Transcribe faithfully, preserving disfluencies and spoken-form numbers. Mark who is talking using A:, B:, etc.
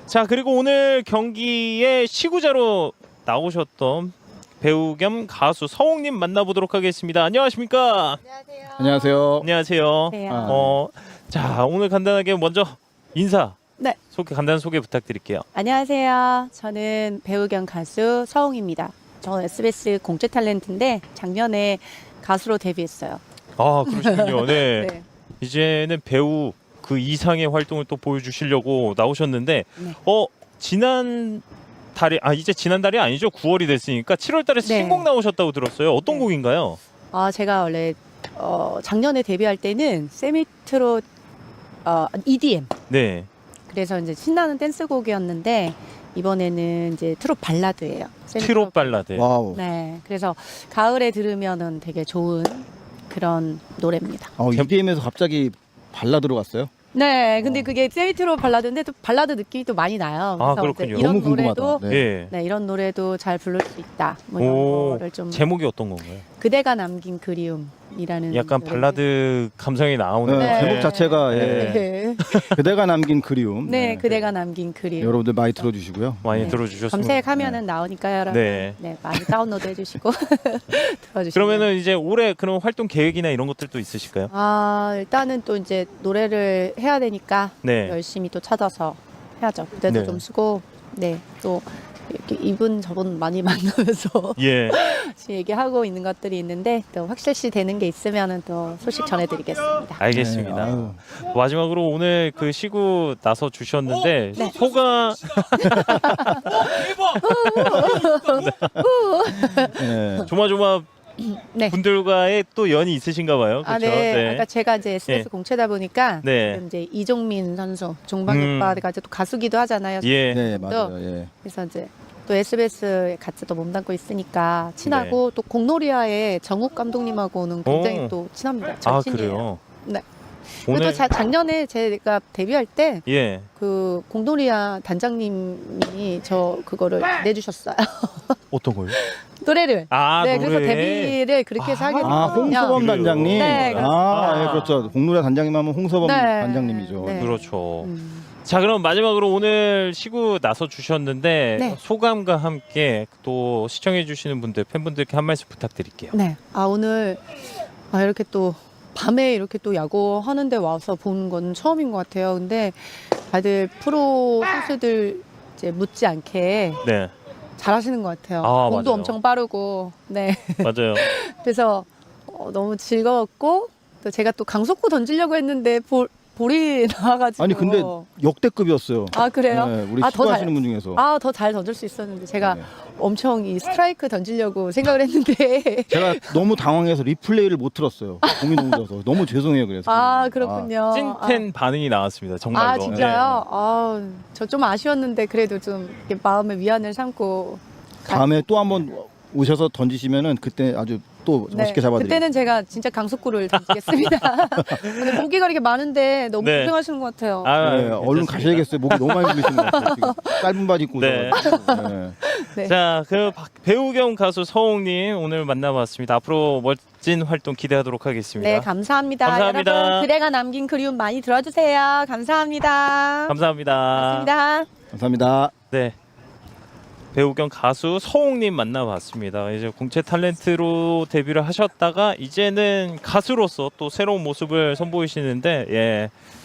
A: 자, 그리고 오늘 경기에 시구자로 나오셨던 배우 겸 가수 서홍님 만나보도록 하겠습니다. 안녕하십니까?
B: 안녕하세요.
C: 안녕하세요.
A: 안녕하세요.
B: 네.
C: 아,
A: 어, 자, 오늘 간단하게 먼저 인사.
B: 네.
A: 소개 간단한 소개 부탁드릴게요.
B: 안녕하세요. 저는 배우 겸 가수 서홍입니다. 저는 에스비에스 공채 탤런트인데 작년에 가수로 데뷔했어요.
A: 아, 그러시군요. 네.
B: 네.
A: 이제는 배우 그 이상의 활동을 또 보여주시려고 나오셨는데,
B: 네.
A: 어 지난 달에 아 이제 지난 달이 아니죠? 구월이 됐으니까 칠월 달에
B: 네.
A: 신곡 나오셨다고 들었어요. 어떤
B: 네.
A: 곡인가요?
B: 아, 제가 원래 어, 작년에 데뷔할 때는 세미트로 어, 이디엠.
A: 네.
B: 그래서 이제 신나는 댄스곡이었는데 이번에는 이제 트롯 발라드예요. 세미
A: 트롯 발라드.
C: 와우.
B: 네. 그래서 가을에 들으면은 되게 좋은 그런 노래입니다.
C: 어, 이디엠에서 갑자기 발라드로 갔어요?
B: 네, 근데
C: 어.
B: 그게 세미트로 발라드인데 또 발라드 느낌이 또 많이 나요.
A: 아,
B: 그래서
A: 그렇군요.
B: 이제 이런
C: 너무 궁금하다.
B: 노래도
C: 네.
A: 예.
B: 네, 이런 노래도 잘 부를 수 있다. 뭐 이런
A: 오,
B: 거를 좀
A: 제목이 어떤 건가요?
B: 그대가 남긴 그리움이라는
A: 약간
B: 노래인데.
A: 발라드 감성이 나오는.
C: 네,
B: 네.
C: 제목 자체가 예.
B: 네,
C: 그대가 남긴 그리움.
B: 네, 그대가 남긴 그리움.
C: 여러분들 많이 들어주시고요.
A: 많이
B: 네.
A: 들어주셨습니다.
B: 검색하면은 나오니까요, 여러분.
A: 네.
B: 네, 많이 다운로드 해주시고 들어주시고.
A: 그러면은 이제 올해 그런 활동 계획이나 이런 것들도 있으실까요?
B: 아, 일단은 또 이제 노래를 해야 되니까
A: 네.
B: 열심히 또 찾아서 해야죠. 무대도
A: 네.
B: 좀 쓰고, 네, 또 이렇게 이분 저분 많이 만나면서
A: 예.
B: 지금 얘기하고 있는 것들이 있는데 또 확실시 되는 게 있으면은 또 소식 전해드리겠습니다.
A: 알겠습니다.
C: 네, 아유.
A: 마지막으로 오늘 그 시구 나서 주셨는데
B: 네.
A: 소감
C: 네.
A: 조마조마
B: 네.
A: 분들과의 또 연이 있으신가 봐요. 그렇죠?
B: 아, 네. 아까 제가 이제 에스비에스
A: 네.
B: 공채다 보니까
A: 네.
B: 지금 이제 이종민 선수, 종방
A: 음.
B: 오빠가 이제 또 가수기도 하잖아요.
A: 예.
C: 네, 맞아요. 예.
B: 그래서 이제 또 에스비에스에 같이 또 몸담고 있으니까 친하고 또 공놀이와의 정욱 감독님하고는 굉장히
A: 네. 오.
B: 또 친합니다.
A: 아,
B: 절친이에요.
A: 그래요.
B: 네. 그리고
A: 오늘
B: 또 자, 작년에 제가 데뷔할 때
A: 예.
B: 그 공놀이와 단장님이 저 그거를 내주셨어요.
A: 어떤 거요?
B: 노래를.
A: 아,
B: 네,
A: 노래.
B: 그래서 데뷔를 그렇게 해서 하게
C: 아,
B: 됐거든요.
C: 홍서범
A: 그래요?
C: 단장님.
B: 네,
C: 아,
A: 그렇습니다.
C: 예, 그렇죠. 공노래 단장님 하면 홍서범
B: 네.
C: 단장님이죠.
B: 네.
A: 그렇죠.
B: 음.
A: 자, 그럼 마지막으로 오늘 시구 나서 주셨는데
B: 네.
A: 소감과 함께 또 시청해 주시는 분들 팬분들께 한 말씀 부탁드릴게요.
B: 네. 아, 오늘 아, 이렇게 또 밤에 이렇게 또 야구 하는데 와서 보는 건 처음인 것 같아요. 근데 다들 프로 선수들 이제 묻지 않게
A: 네.
B: 잘하시는 것 같아요.
A: 아,
B: 공도
A: 맞아요.
B: 엄청 빠르고. 네.
A: 맞아요.
B: 그래서 어, 너무 즐거웠고 또 제가 또 강속구 던지려고 했는데 볼, 볼이 나와가지고.
C: 아니, 근데 역대급이었어요.
B: 아, 그래요?
C: 네, 우리
B: 아, 더
C: 시구하시는
B: 잘-
C: 분 중에서.
B: 아, 더 잘 던질 수 있었는데 제가
C: 네.
B: 엄청 이 스트라이크 던지려고 생각을 했는데.
C: 제가 너무 당황해서 리플레이를 못 들었어요. 공이 너무 져서. 너무 죄송해요. 그래서.
B: 아, 그렇군요.
A: 찐텐 반응이 나왔습니다. 정말로.
B: 아, 진짜요? 아, 저 좀 아쉬웠는데 그래도 좀 이렇게 마음의 위안을 삼고.
C: 아, 다음에 또 한번 오셔서 던지시면은 그때 아주 또 멋있게 잡아드릴게요.
B: 그때는 제가 진짜 강속구를 던지겠습니다. 오늘 모기가 이렇게 많은데 너무
A: 네.
B: 고생하시는 것 같아요.
A: 아,
C: 네,
A: 괜찮습니다.
C: 얼른 가셔야겠어요. 목이 너무 많이 들리시는 것 같아요. 지금 짧은 바지 입고
A: 네.
C: 오셔가지고. 네.
B: 네.
A: 자, 그 박- 배우 겸 가수 서홍님 오늘 만나봤습니다. 앞으로 멋진 활동 기대하도록 하겠습니다.
B: 네, 감사합니다.
A: 감사합니다.
B: 여러분, 그대가 남긴 그리움 많이 들어주세요. 감사합니다.
A: 감사합니다.
B: 감사합니다.
C: 감사합니다.
A: 네. 배우 겸 가수 서홍님 만나봤습니다. 이제 공채 탤런트로 데뷔를 하셨다가 이제는 가수로서 또 새로운 모습을 선보이시는데 예.